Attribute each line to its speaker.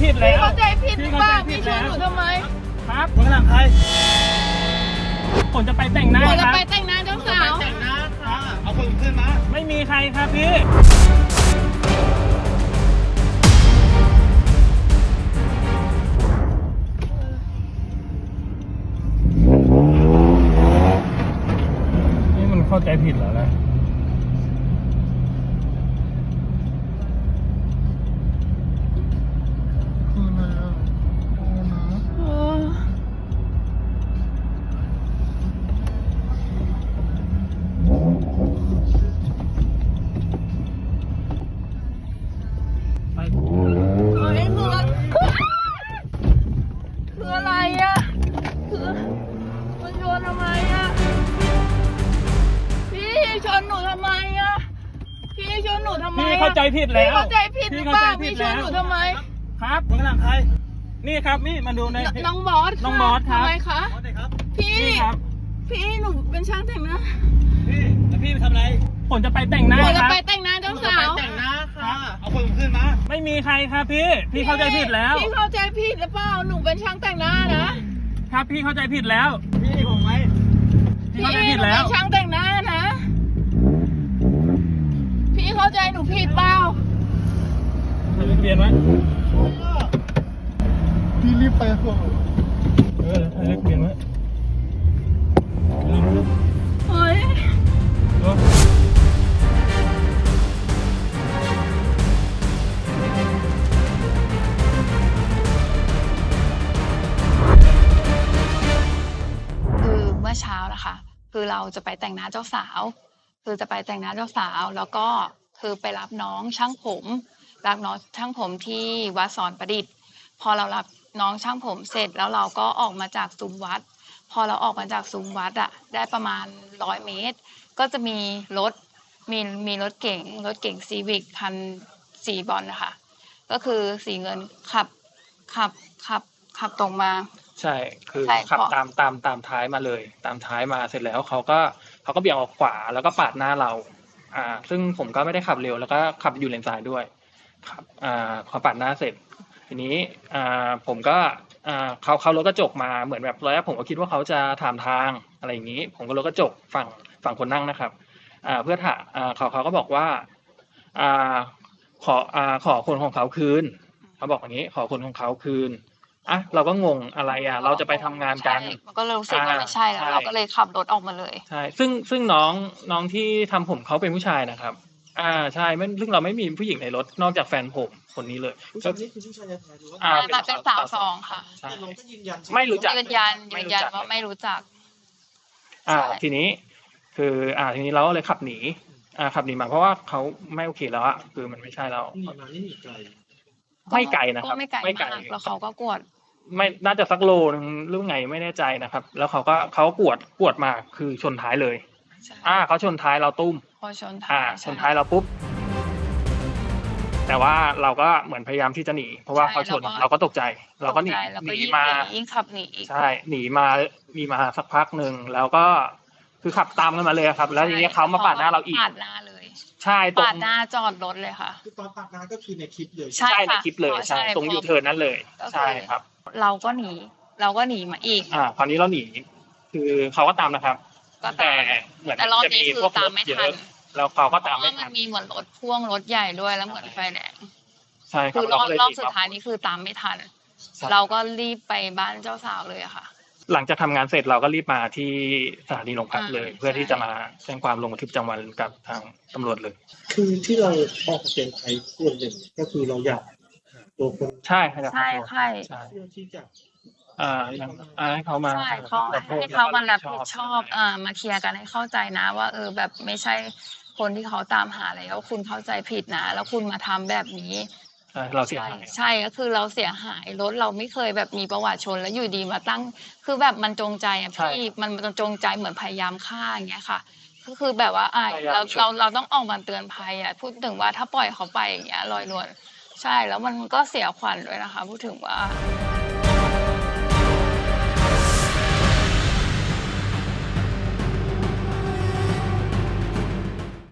Speaker 1: ผิดแล้ว
Speaker 2: เข้าใจผิดหรือเปล่าพี่ชวนหนูทำไม
Speaker 1: ครับคนหลังใครผมจะไปแต่งหน้าครับ
Speaker 2: จะไปแต่งหน้าเจ้าสาว
Speaker 1: แต่งหน้าค่ะเอาคนขึ้นมาไม่มีใครครับพี่นี่มันเข้าใจผิดแล้วนะ
Speaker 2: คืออะไรอ่ะคือมันชนทำไมอ่ะพี่ชนหนูทำไมอ่ะพี่ชนหนูทำไม
Speaker 1: พี่เข้าใจผิดแล้ว
Speaker 2: เข้าใจผิดหรือเปล่าพี่ชนหนูทำไม
Speaker 1: ครับคนหลังใครนี่ครับนี่มาดูใน
Speaker 2: น้องบอส
Speaker 1: น้องบอสครับ
Speaker 2: ทำไมคะพี่
Speaker 1: ครับ
Speaker 2: พี่หนูเป็นช่างแต่งหน้า
Speaker 1: พี่แล้วพี่ไปทำอะไรผมจะไปแต่งหน้า
Speaker 2: หนู
Speaker 1: ค
Speaker 2: จะ
Speaker 1: รับ
Speaker 2: ไปแต่งหน้าเจ้าสาว
Speaker 1: แต่งหน้าค่ะเอาคนขึ้นมาไม่มีใครครับพี่เข้าใจผิดแล้ว
Speaker 2: พี่เข้าใจผิดหรือเปล่าหนูเป็นช่างแต่งหน้านะครับ
Speaker 1: พี่เข้าใจผิดแล้วพี่ผมไหมพี่เข้าใจผิดแล้ว
Speaker 2: เป็นช่างแต่งหน้านะ พี่เข้าใจหนูผิดเปล่า
Speaker 1: ทะเบียนไหม
Speaker 3: พี่รีบไปก่อน
Speaker 1: ทะเบียนไหม
Speaker 2: เฮ้ย
Speaker 4: คือเมื่อเช้านะคะคือเราจะไปแต่งหน้าเจ้าสาวคือจะไปแต่งหน้าเจ้าสาวแล้วก็คือไปรับน้องช่างผมรับน้องช่างผมที่วัดสอนประดิษฐ์พอเรารับน้องช่างผมเสร็จแล้วเราก็ออกมาจากซุ้มวัดพอเราออกมาจากซุ้มวัดอะได้ประมาณ100 เมตรก็จะมีรถมีรถเก๋งซีวิกคันสีบอลนะคะก็คือสีเงินขับตรงมา
Speaker 1: ใช่คือ
Speaker 4: ใช่
Speaker 1: ขับตามท้ายมาเลยตามท้ายมาเสร็จแล้วเขาก็เบี่ยงออกขวาแล้วก็ปาดหน้าเราซึ่งผมก็ไม่ได้ขับเร็วแล้วก็ขับอยู่เลนซ้ายด้วยครับเขาปาดหน้าเสร็จทีนี้ผมก็เขารถกระจกมาเหมือนแบบตอนแรกผมก็คิดว่าเขาจะถามทางอะไรอย่างนี้ผมก็รถกระจกฝั่งคนนั่งนะครับเพื่อถามเขาก็บอกว่าขอคนของเขาคืนเขาบอกอย่างนี้ขอคนของเขาคืนเราก็งงอะไรเราจะไปทำงานกัน
Speaker 4: มันก็รู้สึกว่าไม่ใช่แล้วเราก็เลยขับรถออกมาเลย
Speaker 1: ใช่ซึ่งน้องที่ทำผมเขาเป็นผู้ชายนะครับใช่ซึ่งเราไม่มีผู้หญิงในรถนอกจากแฟนผมคนนี้เลย
Speaker 3: ผู้ชายนี่คือผู้ชายแท้ๆหรือว่า
Speaker 4: เป็นสาวสองค่ะ
Speaker 3: แต่เราก็ยืนยัน
Speaker 1: ไม่รู้จัก
Speaker 4: ยืนยันว่าไม่รู้จัก
Speaker 1: ทีนี้คือทีนี้เราก็เลยขับหนีมาเพราะว่าเขาไม่โอเคแล้วคือมันไม่ใช่แล้ว
Speaker 3: หนีมานี่หนีไกล
Speaker 1: ไม่ไกลนะครับ
Speaker 4: ไม่ไกลมากแล้วเขาก็กวด
Speaker 1: ไม่น่าจะสักโลนึงหรือไงไม่แน่ใจนะครับแล้วเขากวดมาคือชนท้ายเลยเขาชนท้ายเราตุ้ม
Speaker 4: พอชนท้
Speaker 1: ายเราปุ๊บแต่ว่าเราก็เหมือนพยายามที่จะหนีเพราะว่าเขาชนเราก็ตกใจเราก็หนีมา
Speaker 4: ยิ่งขับหนี
Speaker 1: ใช่หนีมาสักพักหนึ่งแล้วก็คือขับตามกันมาเลยครับแล้วทีนี้เขามาปาดหน้าเราอีก
Speaker 4: ปาดหน้าเลย
Speaker 1: ใช่
Speaker 4: ปาดหน้าจอดรถเลยค่ะ
Speaker 3: คือตอนปาดหน้าก็คือในคลิปเลย
Speaker 4: ใช่
Speaker 1: ในคลิปเลยใช่ตรงยูเทิร์นนั้นเลยใช่ครับ
Speaker 4: เราก็หนีมาอีก
Speaker 1: คราวนี้เราหนีคือเขาก็ตามนะครับแต่เหมือน
Speaker 4: จะมีพวกรถเยอะ
Speaker 1: แล้วเขาก็ตามไม่ทัน
Speaker 4: มันมีเหมือนรถพ่วงรถใหญ่ด้วยแล้วเหมือนไฟแดง
Speaker 1: ใช่
Speaker 4: คือรอบสุดท้ายนี้คือตามไม่ทันเราก็รีบไปบ้านเจ้าสาวเลยค่ะ
Speaker 1: หลังจากทำงานเสร็จเราก็รีบมาที่สถานีโรงพักเลยเพื่อที่จะมาแจ้งความลงบันทึกประจำวันกับทางตำรวจเลย
Speaker 3: คือที่เราออกเสียงไทยส่วนหนึ่งก็คือเราอยากตัวคน
Speaker 1: ใช่ครับ
Speaker 4: ใช่
Speaker 3: ที่จะ
Speaker 1: ให้เขามา
Speaker 4: ให้เขามารับผิดชอบมาเคลียร์กันให้เข้าใจนะว่าแบบไม่ใช่คนที่เขาตามหาแล้วคุณเข้าใจผิดนะแล้วคุณมาทำแบบนี้
Speaker 1: เราเสียหาย
Speaker 4: ใช่ก็คือเราเสียหายรถเราไม่เคยแบบมีประวัติชนแล้วอยู่ดีมาตั้งคือแบบมันจงใจพี่มันจงใจเหมือนพยายามฆ่าอย่างเงี้ยค่ะก็คือแบบว่าเราต้องออกมาเตือนภัยพูดถึงว่าถ้าปล่อยเขาไปอย่างเงี้ยลอยนวลใช่แล้วมันก็เสียขวัญด้วยนะคะพูดถึงว่า